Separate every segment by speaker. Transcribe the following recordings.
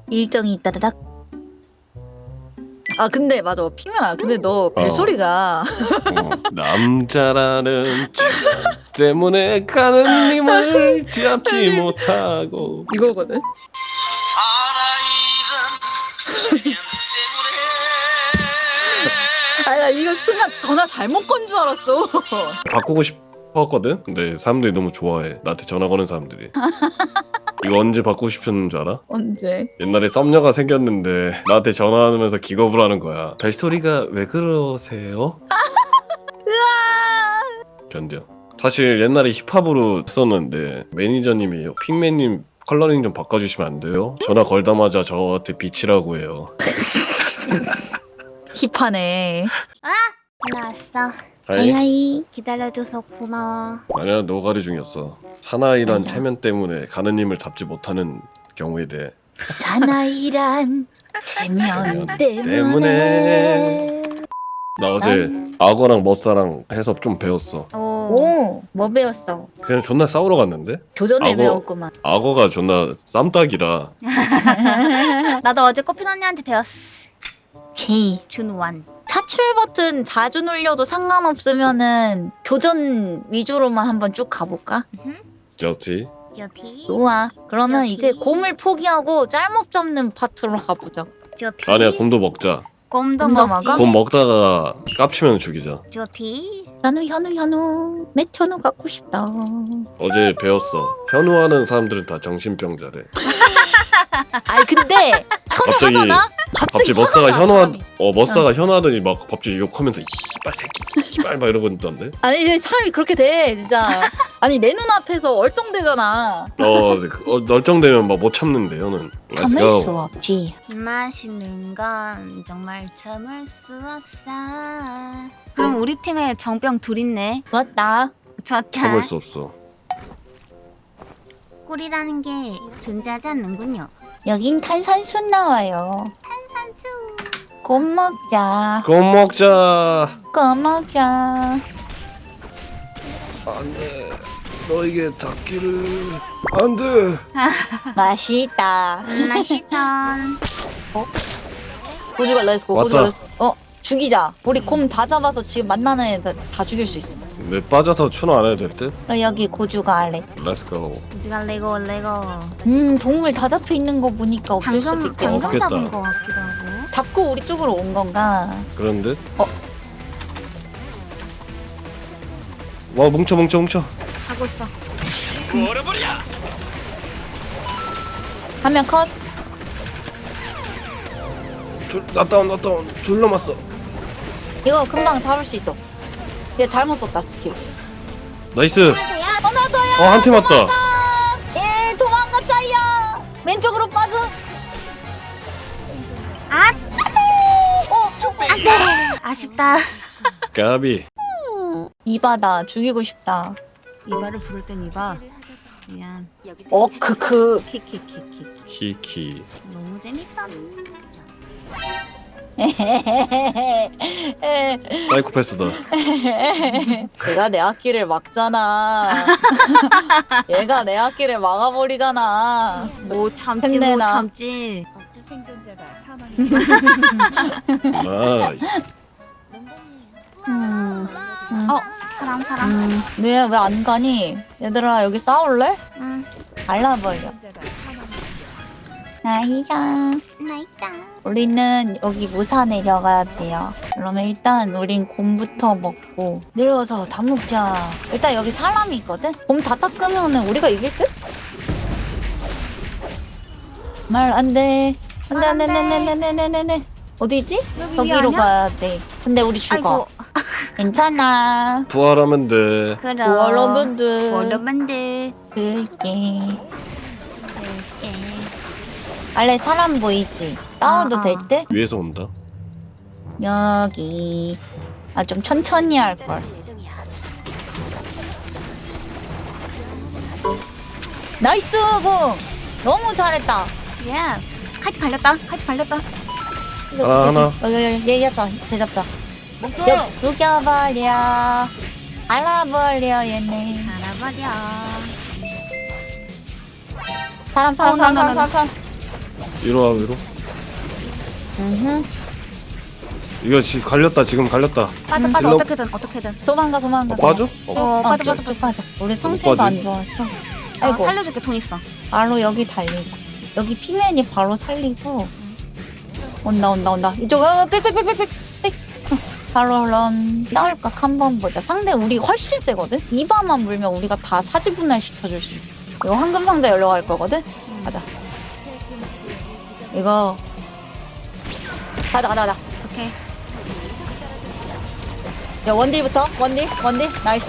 Speaker 1: 일정이 있다다닥. 아 근데 맞아 핑맨아 근데 너 벨소리가
Speaker 2: 남자라는 책 때문에 가는 님을 잡지 못하고
Speaker 1: 이거거든. 아니 나 이거 순간 전화 잘못 건 줄 알았어.
Speaker 2: 바꾸고 싶었거든? 근데 사람들이 너무 좋아해. 나한테 전화 거는 사람들이. 이거 언제 바꾸고 싶었는 줄 알아?
Speaker 1: 언제?
Speaker 2: 옛날에 썸녀가 생겼는데 나한테 전화하면서 기겁을 하는 거야. 벨소리가 왜 그러세요? 견뎌. 사실 옛날에 힙합으로 썼는데 매니저님이 핑맨님 컬러링 좀 바꿔주시면 안 돼요? 전화 걸다마자 저한테 비치라고 해요.
Speaker 1: 힙하네.
Speaker 3: 올라왔어.
Speaker 2: 하이?
Speaker 1: 하이.
Speaker 3: 기다려줘서 고마워.
Speaker 2: 아니야, 노가리 중이었어. 사나이란
Speaker 1: 맞아.
Speaker 2: 체면 때문에 가느님을 잡지 못하는 경우에 대해.
Speaker 1: 사나이란 체면
Speaker 2: 때문에.
Speaker 1: 때문에.
Speaker 2: 나 어제 악어랑 머싸랑 해서 좀 배웠어.
Speaker 3: 오.
Speaker 1: 뭐 배웠어?
Speaker 2: 그냥 존나 싸우러 갔는데
Speaker 1: 교전을
Speaker 2: 악어.
Speaker 1: 배웠구만.
Speaker 2: 악어가 존나 쌈딱이라.
Speaker 3: 나도 어제 꽃핀 언니한테 배웠어.
Speaker 1: 오케이.
Speaker 3: 준원.
Speaker 1: 사출 버튼 자주 눌려도 상관없으면은 교전 위주로만 한번 쭉 가볼까?
Speaker 2: 좋지.
Speaker 3: 좋티.
Speaker 1: 좋아. 그러면
Speaker 3: 저기.
Speaker 1: 이제 곰을 포기하고 짤목 잡는 파트로 가보자.
Speaker 3: 좋티.
Speaker 2: 아니야, 곰도 먹자.
Speaker 3: 곰도
Speaker 1: 곰도
Speaker 3: 먹지.
Speaker 1: 먹어?
Speaker 2: 곰 먹다가 깝치면 죽이자.
Speaker 3: 좋티.
Speaker 1: 현우 메현우 갖고 싶다.
Speaker 2: 어제 배웠어. 현우하는 사람들은 다 정신병자래.
Speaker 1: 아니 근데
Speaker 2: 갑자기
Speaker 1: 현우하잖아?
Speaker 2: 갑자기 머싸가
Speaker 1: 현우야,
Speaker 2: 머싸가 현우하더니 막 갑자기 욕하면서 이발 새끼 이발 막 이러고 있던데.
Speaker 1: 아니 이제 사람이 그렇게 돼 진짜. 아니 내 눈앞에서 얼쩡대잖아.
Speaker 2: 널쩡되면 막 못 참는데 현우는. Let's
Speaker 1: 참을
Speaker 2: go.
Speaker 1: 수 없지.
Speaker 3: 맛있는 건 정말 참을 수 없어. 그럼 우리 팀에 정병 둘 있네.
Speaker 1: 좋았다.
Speaker 3: 좋다.
Speaker 2: 참을 수 없어.
Speaker 3: 꿀이라는 게 존재하지 않는군요.
Speaker 1: 여긴 탄산수 나와요.
Speaker 3: 탄산수.
Speaker 1: 곰 먹자.
Speaker 2: 곰 먹자.
Speaker 1: 곰 먹자.
Speaker 2: 안돼. 너에게 닿기를. 안돼.
Speaker 1: 맛있다.
Speaker 3: 맛있다.
Speaker 1: 고주가 렛츠고.
Speaker 2: 왔다.
Speaker 1: 고주가 렛츠고. 죽이자. 우리 곰 다 잡아서 지금 만나는 애들 다 죽일 수 있어.
Speaker 2: 내 빠져서 추노 안 해도 될 듯?
Speaker 1: 그럼 여기 고주가 알래.
Speaker 2: Let's go.
Speaker 3: 우주가 레고.
Speaker 1: 동물 다 잡혀 있는 거 보니까 없을 수도 있겠다.
Speaker 3: 방금
Speaker 2: 없겠다.
Speaker 3: 잡은 거 같기도 하고.
Speaker 1: 잡고 우리 쪽으로 온 건가?
Speaker 2: 그런 듯?
Speaker 1: 어.
Speaker 2: 와 뭉쳐.
Speaker 3: 하고 있어.
Speaker 1: 한 명 컷.
Speaker 2: 나다운 둘 남았어.
Speaker 1: 이거 금방 잡을 수 있어. 얘 잘못 썼다 스킬.
Speaker 2: 나이스.
Speaker 1: 하나 더야.
Speaker 2: 한 팀 왔다.
Speaker 1: 예, 도망가자야. 왼쪽으로 빠져.
Speaker 3: 아,
Speaker 1: 안돼.
Speaker 3: 아쉽다.
Speaker 2: 까비.
Speaker 1: 이바다 죽이고 싶다.
Speaker 3: 이바를 부를 땐 이바. 미안.
Speaker 1: 크크.
Speaker 3: 키키키키.
Speaker 2: 키키.
Speaker 3: 너무 재밌다.
Speaker 2: 사이코패스다.
Speaker 1: 얘가 내 악기를 막잖아. 얘가 내 악기를 막아버리잖아.
Speaker 3: 못 참지
Speaker 1: 힘내나.
Speaker 3: 못 참지.
Speaker 2: 나이스.
Speaker 3: 사람.
Speaker 1: 왜 안 가니? 얘들아 여기 싸울래?
Speaker 3: 응.
Speaker 1: 갈라버려. 나이야.
Speaker 3: 나 있다.
Speaker 1: 우리는 여기 무사 내려가야 돼요. 그러면 일단 우린 곰부터 먹고 내려와서 다 먹자. 일단 여기 사람이 있거든? 곰 다 닦으면은 우리가 이길 듯? 말 안 돼. 안 돼, 안 돼, 안 돼, 안 돼, 안 돼, 안 돼, 안 돼, 안 돼. 어디지?
Speaker 3: 여기
Speaker 1: 저기로
Speaker 3: 아니야?
Speaker 1: 가야 돼. 근데 우리 죽어.
Speaker 3: 아이고.
Speaker 1: 괜찮아.
Speaker 2: 부활하면 돼.
Speaker 3: 그럼.
Speaker 1: 여러분들.
Speaker 3: 여러분들.
Speaker 1: 그럴게. 원래 사람 보이지? 싸워도
Speaker 3: 아.
Speaker 1: 될 때?
Speaker 2: 위에서 온다.
Speaker 1: 여기. 아, 좀 천천히 할걸. 나이스, 공! 너무 잘했다.
Speaker 3: 야. 카이트 발렸다.
Speaker 2: 하나.
Speaker 1: 얘 잡자. 쟤 잡자. 죽여버려. 알아버려, 얘네.
Speaker 3: 알아버려.
Speaker 1: 사람.
Speaker 2: 위로 와 위로. 이거 지금 갈렸다. 지금 갈렸다.
Speaker 3: 빠져 빠져.
Speaker 2: 딜러-
Speaker 3: 어떻게든.
Speaker 1: 도망가.
Speaker 2: 빠져?
Speaker 1: 빠져. 우리 상태가
Speaker 2: 빠지?
Speaker 1: 안 좋아서.
Speaker 3: 아,
Speaker 1: 아이고.
Speaker 3: 살려줄게. 돈 있어.
Speaker 1: 바로 여기 달리자. 여기 피맨이 바로 살리고. 온다. 이쪽, 빽. 바로 그럼 싸울각 한번 보자. 상대 우리 훨씬 세거든? 이바만 물면 우리가 다 사지분할 시켜줄 수 있어. 이거 황금 상자 열려갈 거거든? 가자. 이거. 가자.
Speaker 3: 오케이.
Speaker 1: 야, 원딜부터. 원딜. 나이스.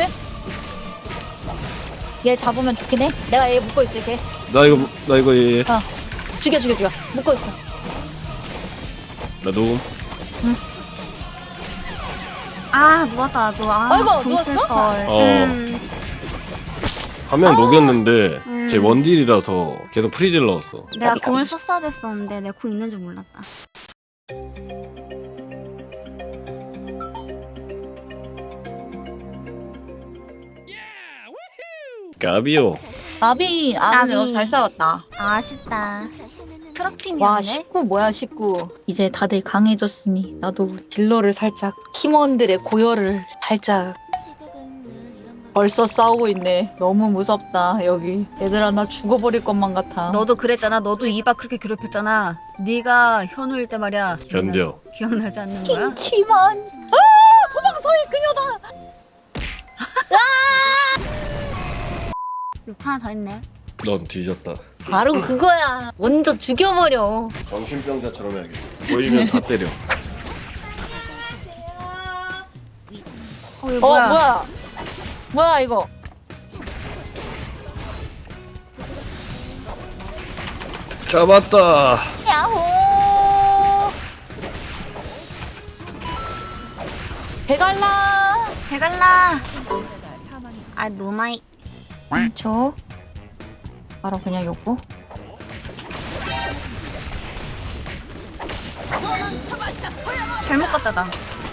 Speaker 1: 얘 잡으면 좋긴 해. 내가 얘 묶고 있을게.
Speaker 2: 나 이거 얘.
Speaker 1: 죽여. 묶고 있어.
Speaker 2: 나 녹음.
Speaker 3: 아, 누웠다. 나도.
Speaker 1: 아이고,
Speaker 3: 돈
Speaker 1: 누웠어?
Speaker 3: 쓸걸.
Speaker 2: 한 명 녹였는데
Speaker 3: 음.
Speaker 2: 제 원딜이라서 계속 프리딜 넣었어.
Speaker 3: 내가
Speaker 1: 까비.
Speaker 3: 공을 썼어야 됐었는데 내가 공 있는 줄 몰랐다.
Speaker 2: 까비요.
Speaker 1: 나비,
Speaker 3: 나비.
Speaker 1: 잘 싸웠다.
Speaker 3: 아쉽다. 트럭
Speaker 1: 와,
Speaker 3: 팀이었네.
Speaker 1: 19 뭐야, 19. 이제 다들 강해졌으니 나도 딜러를 살짝, 팀원들의 고열을 살짝. 벌써 싸우고 있네. 너무 무섭다, 여기. 얘들아, 나 죽어버릴 것만 같아.
Speaker 3: 너도 그랬잖아. 너도 이바 그렇게 괴롭혔잖아. 네가 현우일 때 말이야.
Speaker 2: 견뎌.
Speaker 3: 기억나지 않는 거야?
Speaker 1: 김치만. 소방서의 그녀다.
Speaker 3: 6 하나 더 있네.
Speaker 2: 넌 뒤졌다.
Speaker 1: 바로 그거야. 먼저 죽여버려.
Speaker 2: 정신병자처럼 해야겠어. 보이면 다 때려.
Speaker 3: 이거 뭐야?
Speaker 1: 뭐야, 이거.
Speaker 2: 잡았다.
Speaker 1: 야호. 배갈라.
Speaker 3: 해갈라. 아, 노마이.
Speaker 1: 저 바로 그냥 요거.
Speaker 3: 잘못 갔다 나.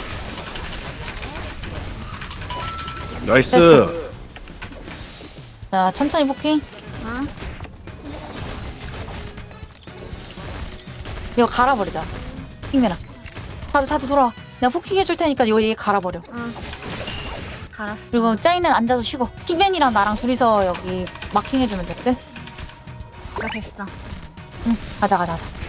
Speaker 2: 나이스.
Speaker 1: 됐어. 자, 천천히 포킹.
Speaker 3: 응?
Speaker 1: 이거 갈아버리자. 핑맨아. 다들 돌아와. 내가 포킹 해줄 테니까 이거 얘 갈아버려.
Speaker 3: 응. 갈았어.
Speaker 1: 그리고 짜이는 앉아서 쉬고. 핑맨이랑 나랑 둘이서 여기 마킹 해주면 됐대.
Speaker 3: 나 됐어.
Speaker 1: 응, 가자.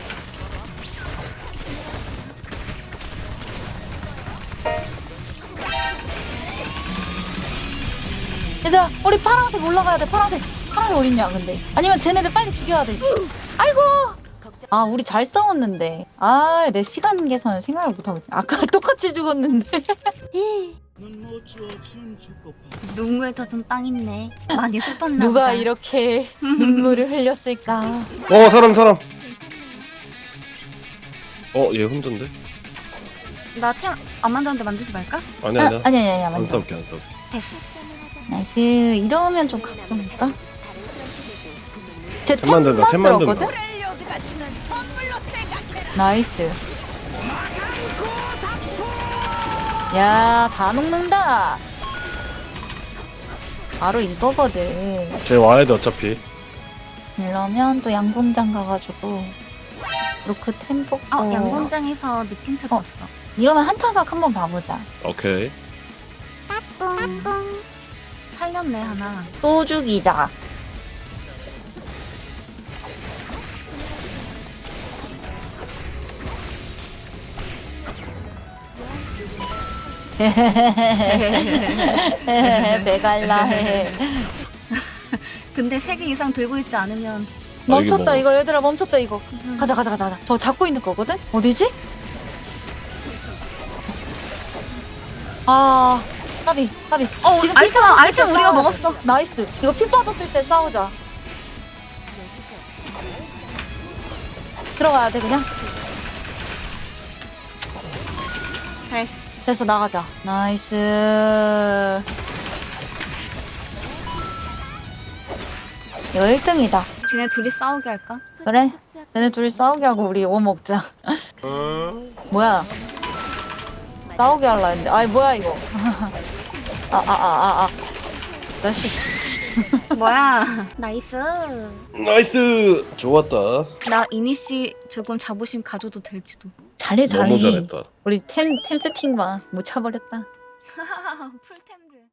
Speaker 1: 얘들아, 우리 파란색 올라가야 돼. 파란색 어딨냐, 근데. 아니면 쟤네들 빨리 죽여야 돼. 아이고! 아, 우리 잘 싸웠는데. 아, 내 시간 계산을 생각을 못하고 있네. 아까 똑같이 죽었는데.
Speaker 3: 눈물 젖은 빵 있네. 많이 슬펐나
Speaker 1: 누가
Speaker 3: 보다.
Speaker 1: 이렇게 눈물을 흘렸을까.
Speaker 2: 사람. 얘 혼자인데?
Speaker 3: 나템 안 만드는데 만들지 말까?
Speaker 2: 아니야.
Speaker 1: 아니야,
Speaker 2: 안
Speaker 1: 맞아.
Speaker 2: 싸울게.
Speaker 3: 됐어.
Speaker 1: 나이스. 이러면 좀 가끔일까? 쟤
Speaker 2: 템 만든다.
Speaker 1: 만들었거든? 나이스. 야, 다 녹는다. 바로 이거거든.
Speaker 2: 쟤 와야 돼 어차피.
Speaker 1: 이러면 또 양궁장 가가지고 로크 템 뽑고.
Speaker 3: 양궁장에서 느낌표 떴어.
Speaker 1: 이러면 한타각 한번 봐보자.
Speaker 2: 오케이.
Speaker 3: 살렸네 하나.
Speaker 1: 또 죽이자. 배갈라 해.
Speaker 3: 근데 3개 이상 들고 있지 않으면
Speaker 1: 멈췄다
Speaker 2: 뭐.
Speaker 1: 이거 얘들아 멈췄다 이거. 가자. 저 잡고 있는 거거든? 어디지? 아 까비. 지금 피 빠졌을
Speaker 3: 아이템
Speaker 1: 때
Speaker 3: 우리가
Speaker 1: 싸워야 돼.
Speaker 3: 먹었어.
Speaker 1: 나이스. 이거 피 빠졌을 때 싸우자. 들어가야 돼 그냥. 됐어 나가자. 나이스. 이거 1등이다.
Speaker 3: 쟤네 둘이 싸우게 할까?
Speaker 1: 그래? 얘네 둘이 싸우게 하고 우리 이거 먹자. 뭐야? 싸우게 할라 했는데. 아이 뭐야 이거. 자식.
Speaker 3: 뭐야? 나이스.
Speaker 2: 나이스. 좋았다.
Speaker 3: 나 이니씨 조금 자부심 가져도 될지도.
Speaker 1: 잘해 잘해.
Speaker 2: 너무 잘했다.
Speaker 1: 우리 템 세팅 봐못 차버렸다.
Speaker 3: 풀템들.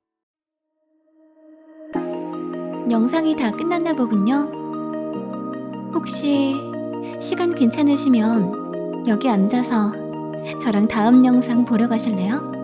Speaker 4: 영상이 다 끝났나 보군요. 혹시 시간 괜찮으시면 여기 앉아서 저랑 다음 영상 보러 가실래요?